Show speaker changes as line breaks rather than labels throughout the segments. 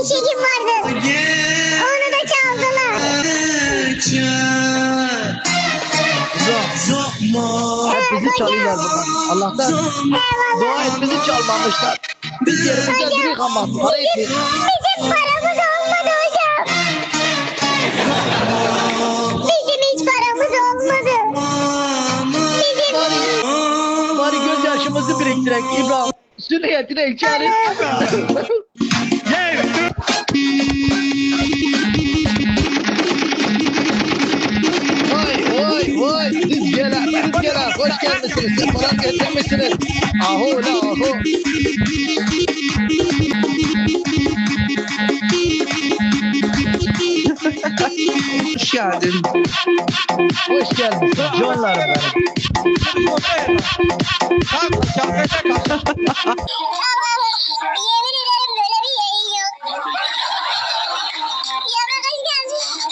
eşeğim vardı. Onu da çaldılar.
Hep bizi çalıyorlar bunlar. Allah'tan dua et bizi çalmamışlar. Biz yerimizde duruyoruz ama para etmiyor.
Bizim paramız olmadı hocam. Bizim hiç paramız olmadı.
Bari gözyaşımızı biriktirek İbrahim. Süniyetine içeriz. Vay sizgeler hoş gelmişsiniz, sefalar getirmişsiniz. Aho la aho.
Hoş geldin.
Hoş gelmişsin canlarım benim.
Yemin ederim böyle bir yayın yok. Yavrum hoş geldin.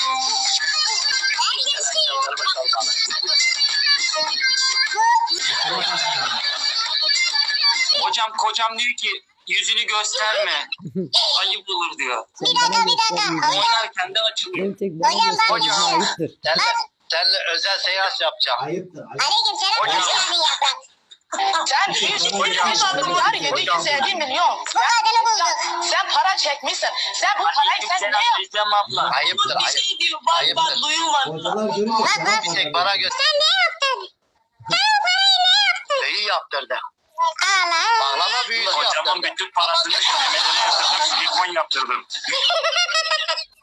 Hocam kocam diyor ki yüzünü gösterme. Ayıp olur diyor.
Bir dakika.
Oynarken de açılıyor.
Hocam bak.
Seninle özel seans yapacağım.
Aleyküm selam. Hoş geldin yaprak.
Sen 100 adımlar yedik 150 milyon.
Bu kadını bulduk.
Sen para çekmişsin. Sen bu parayı sen
Aleykümselam
ne yaptın?
Özlem abla. Ayıptır
Bir
ayıp.
şey diyor bak
Ayıptır.
duyulmadı.
Bak.
Bir tek bana göster.
Sen ne yaptın? Sen o parayı ne yaptın?
Neyi yaptırdı?
Allah.
Bağlama büyüsü yaptırdı.
Hocamın bütün parasını işlemeleri yaptırdım. Silikon yaptırdım.